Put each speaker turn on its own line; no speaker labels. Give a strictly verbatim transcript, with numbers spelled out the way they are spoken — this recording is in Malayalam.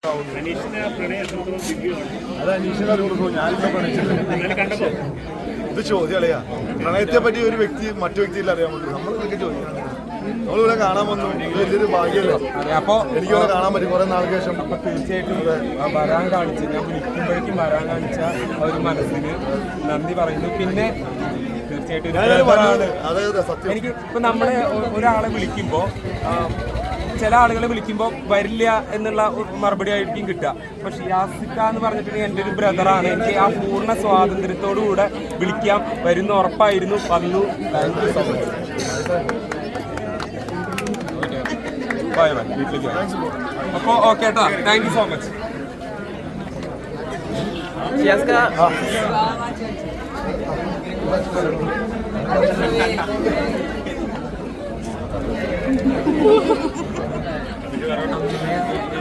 അത് അനീഷിനെ കൊടുക്കും. ഞാനിപ്പോ പ്രണയിച്ചിട്ടുണ്ട്. ഇത് ചോദ്യം അറിയാ. പ്രണയത്തെ പറ്റി ഒരു വ്യക്തി മറ്റു വ്യക്തിയിൽ അറിയാൻ പറ്റും. നമ്മൾ ഇതൊക്കെ ചോദിക്കണം. നമ്മളിവിടെ കാണാൻ വന്നു. വലിയൊരു ഭാഗ്യമല്ലേ. അപ്പൊ എനിക്കിവിടെ കാണാൻ പറ്റും കുറെ നാൾക്ക് ശേഷം.
അപ്പൊ തീർച്ചയായിട്ടും വരാൻ കാണിച്ച് ഞാൻ വിളിക്കുമ്പോഴേക്കും വരാൻ കാണിച്ച ഒരു മനസ്സിന് നന്ദി പറയുന്നു. പിന്നെ തീർച്ചയായിട്ടും എനിക്ക് ഇപ്പൊ നമ്മളെ ഒരാളെ വിളിക്കുമ്പോ ചില ആളുകളെ വിളിക്കുമ്പോൾ വരില്ല എന്നുള്ള മറുപടി ആയിരിക്കും കിട്ടുക. അപ്പൊ ഷിയാസിക്ക എന്ന് പറഞ്ഞിട്ടുണ്ടെങ്കിൽ എൻ്റെ ഒരു ബ്രദറാണ്. എനിക്ക് ആ പൂർണ്ണ സ്വാതന്ത്ര്യത്തോടുകൂടെ വിളിക്കാം, വരുന്ന ഉറപ്പായിരുന്നു. വന്നു. Thank you so much. Bye bye. വീട്ടിലേക്ക് അപ്പോൾ ഓക്കെ കേട്ടോ. Thank you so much. ഷിയാസിക്ക Thank you.